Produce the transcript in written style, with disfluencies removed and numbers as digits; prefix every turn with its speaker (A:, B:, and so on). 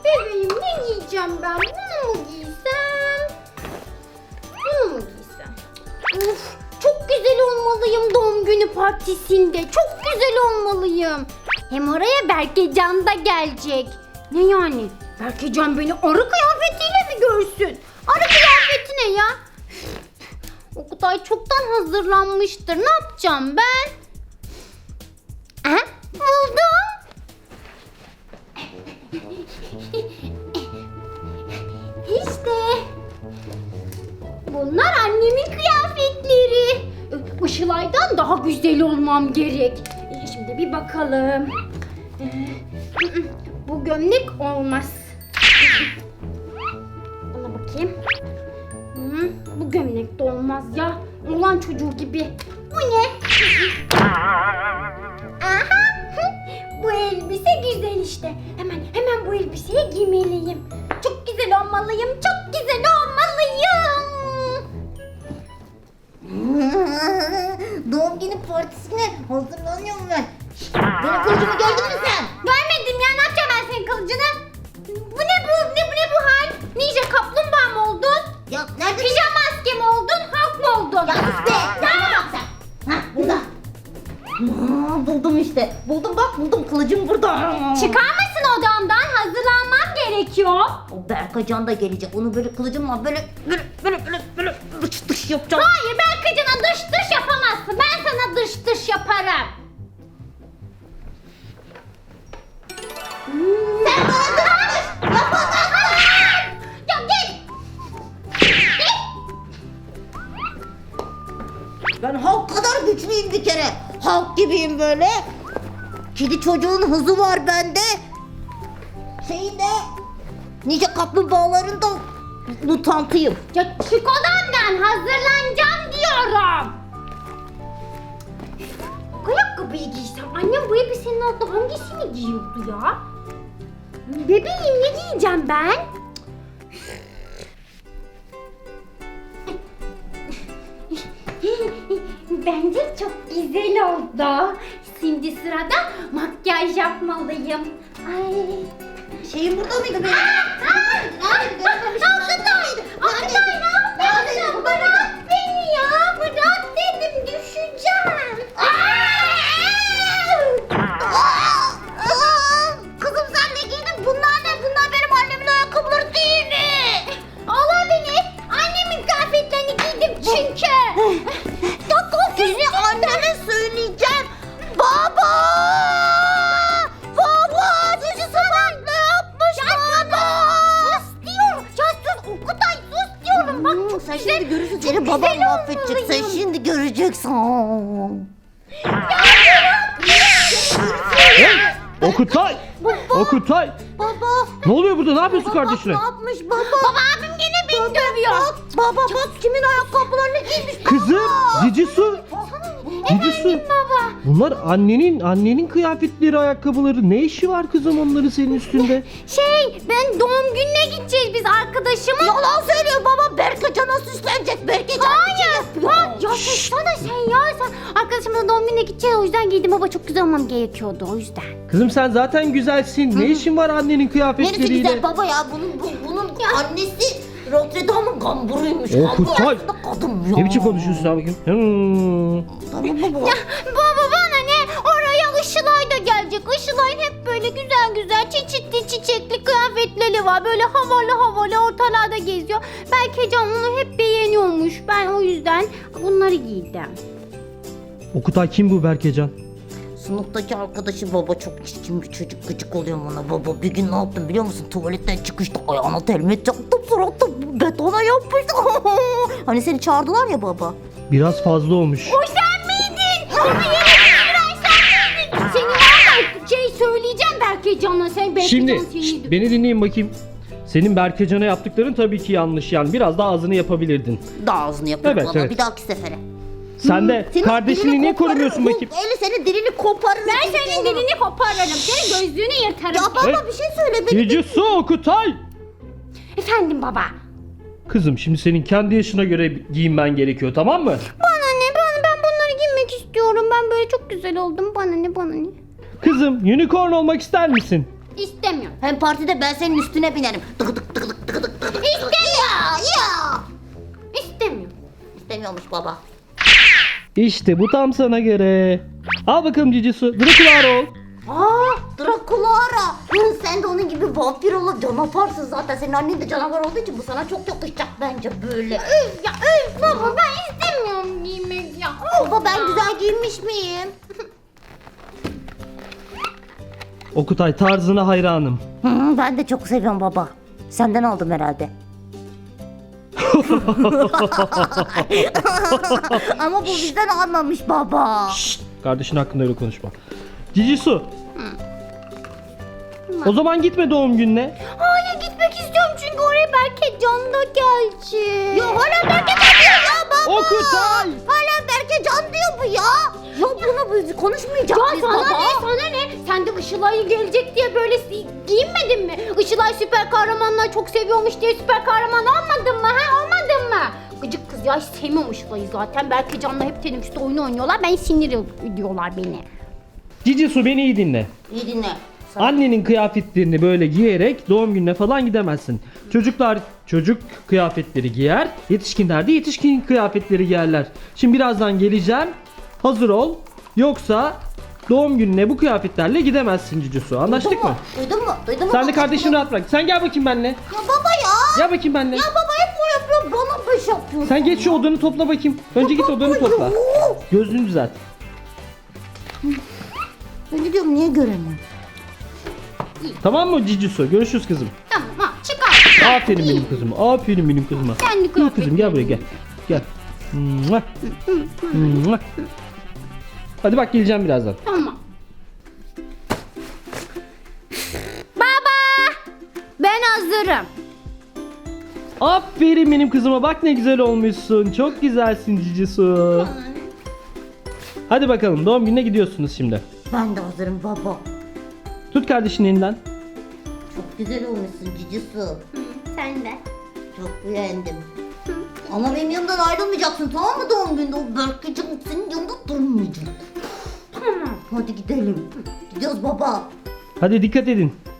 A: Bebeğim ne giyeceğim ben? Bunu mu giysem? Bunu mu giysem? Of, çok güzel olmalıyım doğum günü partisinde. Çok güzel olmalıyım. Hem oraya Berkecan da gelecek. Ne yani? Berkecan beni arı kıyafetiyle mi görsün? Arı kıyafeti ne ya? Oktay çoktan hazırlanmıştır. Ne yapacağım ben? Aha, buldum. İşte. Bunlar annemin kıyafetleri. Işılay'dan daha güzel olmam gerek. Şimdi bir bakalım. Bu gömlek olmaz. Buna bakayım. Bu gömlek de olmaz ya. Ulan çocuğu gibi. Bu ne? Aha. Bu elbise güzel işte. Hemen bu elbiseyi giymeliyim. Çok güzel olmalıyım. Çok güzel olmalıyım.
B: Doğum günü partisine hazırlanıyorum ben. Benim kılıcımı gördün mü sen?
A: Görmedim ya. Ne yapacağım ben senin kılıcını? Bu ne bu? Ne bu hal? Ninja kaplumbağa mı oldun?
B: Ya nerede?
A: Pijama maske mi oldun? Halk mı oldun?
B: Ya sus be! Nerede bak sen? Hah burada. Buldum işte. Buldum bak buldum. Kılıcım burada.
A: Çıkar mısın odamdan? Hazırlanmam gerekiyor.
B: O Berkacan da gelecek. Onu böyle kılıcımla böyle dış dış yapacağım.
A: Hayır, Berkacan'a dış yapamazsın. Ben sana dış yaparım.
B: Sen bana dış yapamazsın.
A: Ya git.
B: Ben Hulk kadar güçlüyüm bir kere. Hulk gibiyim böyle. Kedi çocuğun hızı var bende. Şeyinde nice kaplumbağaların da mutantıyım.
A: Ya çık odamdan. Hazırlanacağım diyorum. Ayakkabıyı giysem. Annem bu elbisenin altında hangisini giyiyordu ya? Bebeğim ne giyeceğim ben? Bence çok güzel oldu. Şimdi sırada makyaj yapmalıyım. Ay.
B: Şeyim burada mıydı benim? Nerede?
A: Oktay ne yapıyorsun? Bırak beni ya. Bırak dedim, düşeceğim.
B: Kızım sen ne giydin? Bunlar ne? Bunlar benim annemin ayakkabıları değil mi?
A: Olabilir. Annemin kıyafetlerini giydim çünkü.
B: Seni anneme söyleyeceğim. Baba! Baba! Cici Sabah ne yapmış baba?
A: Sus diyorum. Ya sus Okutay, sus diyorum. Bak çok
B: sen
A: güzel.
B: şimdi görürsün
A: çok
B: seni
A: güzel
B: babam mahvedecek. Sen
A: olmalıyım.
B: şimdi göreceksin.
C: Hey! Okutay! Okutay!
B: Baba!
C: Ne oluyor burada? Ne yapıyorsun kardeşine?
B: Ne yapmış baba?
A: Baba abim gene beni dövüyor.
B: Baba bak kimin ayakkabılarını giymiş
C: Kızım! Cici Su! Cici Su!
A: Baba.
C: Bunlar annenin kıyafetleri, ayakkabıları. Ne işi var kızım onların senin üstünde?
A: Ben doğum gününe gideceğiz biz arkadaşımın.
B: Yalan söylüyor baba. Berkacan'a süslenecek. Berkacan
A: Ya sussana sen ya. Sen arkadaşımla doğum gününe gideceğiz, o yüzden giydim baba. Çok güzel olmam gerekiyordu o yüzden.
C: Kızım sen zaten güzelsin. Ne işin var annenin
B: Neresi
C: kıyafetleriyle?
B: güzel baba ya. Bunun annesi Notre Dame'ın gamburuymuş.
C: Okutay!
B: Aslında kadın ya.
C: Ne biçim konuşuyorsun abi?
B: Tamam baba.
A: Baba bana ne? Oraya Işılay da gelecek. Işılay'ın hep böyle güzel çeşitli çiçekli kıyafetleri var. Böyle havalı ortalarda geziyor. Belki Can onu hep beğeniyormuş. Ben o yüzden bunları giydim.
C: Okutay kim bu Berkecan?
B: Sınıftaki arkadaşı baba çok çirkin bir çocuk, gıcık oluyor bana baba. Bir gün ne yaptım biliyor musun? Tuvaletten çıkışta ayağına telmet çaktım, suratı betona yapıştı. Hani seni çağırdılar ya baba.
C: Biraz fazla olmuş.
A: O sen miydin? Onu yere sen miydin? Seni var ya söyleyeceğim belki Can'a. Sen belki
C: Şimdi
A: Can seni
C: beni dinleyin bakayım. Senin Berkecan'a yaptıkların tabii ki yanlış yani. Biraz daha ağzını yapabilirdin.
B: Daha ağzını yapayım
C: Evet,
B: baba
C: evet.
B: bir dahaki sefere.
C: Sen de
B: Senin
C: kardeşini
B: dilini
C: niye
B: koparırım.
C: korumuyorsun bakayım?
B: Eli senin dilini koparırım.
A: Ben senin dilini koparırım. Senin gözlüğünü yırtarım.
B: Ya baba
C: Hey.
B: bir şey söyle benim.
C: Cici Su Okutay!
A: Efendim baba.
C: Kızım şimdi senin kendi yaşına göre giyinmen gerekiyor, tamam mı?
A: Bana ne? Ben bunları giymek istiyorum. Ben böyle çok güzel oldum. Bana ne?
C: Kızım unicorn olmak ister misin?
A: İstemiyorum.
B: Hem partide ben senin üstüne binerim. Tık tık tık tık tık tık tık.
A: İstemiyorum.
B: Ya.
A: İstemiyorum.
B: İstemiyormuş baba.
C: İşte bu tam sana göre. Al bakalım Cicisu. Drakular ol.
B: Drakulara. Sen de onun gibi vampir olup canavarsın zaten. Senin annen de canavar olduğu için bu sana çok yakışacak bence böyle.
A: Üf ya üf baba ben istemiyorum giymek ya.
B: Baba ben güzel giyinmiş miyim?
C: Okutay, tarzına hayranım.
B: Ben de çok seviyorum baba. Senden aldım herhalde. Ama bu bizden almamış baba.
C: Şşt, kardeşin hakkında öyle konuşma. Cicisu. O zaman gitme doğum gününe.
A: Hayır gitmek istiyorum çünkü oraya Berke Can da gelecek.
B: Ya hala Berke Can diyor ya baba.
C: Okutay.
B: Hala Berke Can diyor bu ya. Ya bunu biz konuşmayacak
A: Ya
B: mıyız
A: sana
B: baba?
A: ne sana ne? Sen de Işılay gelecek diye böyle giyinmedin mi? Işılay süper kahramanlar çok seviyormuş diye süper kahraman olmadın mı? Ha olmadın mı? Gıcık kız ya hiç sevmiyorum Işılay'ı zaten. Berke Can'la hep teneffüste oyun oynuyorlar. Ben sinir ediyorlar beni.
C: Cicisu beni iyi dinle.
B: İyi dinle.
C: Annenin kıyafetlerini böyle giyerek doğum gününe falan gidemezsin. Çocuklar çocuk kıyafetleri giyer, yetişkinler de yetişkin kıyafetleri giyerler. Şimdi birazdan geleceğim. Hazır ol. Yoksa doğum gününe bu kıyafetlerle gidemezsin Cicisu. Anlaştık mı?
B: Duydun mu? Duydun mu?
C: Sen de
B: Baba,
C: kardeşini
B: bunu-
C: rahat bırak. Sen gel bakayım benimle.
B: Ya baba ya.
C: Gel bakayım benimle.
B: Ya baba hep o yapıyor. Bana beş yapıyorsun.
C: Sen geç şu odanı topla bakayım. Önce git odanı topla. Gözlüğünü düzelt.
B: Ben diyorum niye göremiyorum?
C: Tamam mı Cicisu? Görüşürüz kızım.
A: Tamam ha çıkar.
C: Aferin benim kızıma. Aferin benim kızıma.
A: Kendi
C: Gel kızım gel buraya gel. Gel. Mua. Mua. Hadi bak geleceğim birazdan.
A: Tamam. Baba! Ben hazırım.
C: Aferin benim kızıma. Bak ne güzel olmuşsun. Çok güzelsin Cicisu. Hadi bakalım doğum gününe gidiyorsunuz şimdi.
B: Ben de hazırım baba.
C: Tut kardeşinin elinden.
B: Çok güzel olmuşsun Cicisu.
A: Sen de.
B: Çok beğendim. Ama benim yanımdan ayrılmayacaksın tamam mı doğum günde? O Berkecan senin yanında durmayacak.
A: Tamam.
B: Hadi gidelim. Gidiyoruz baba.
C: Hadi dikkat edin.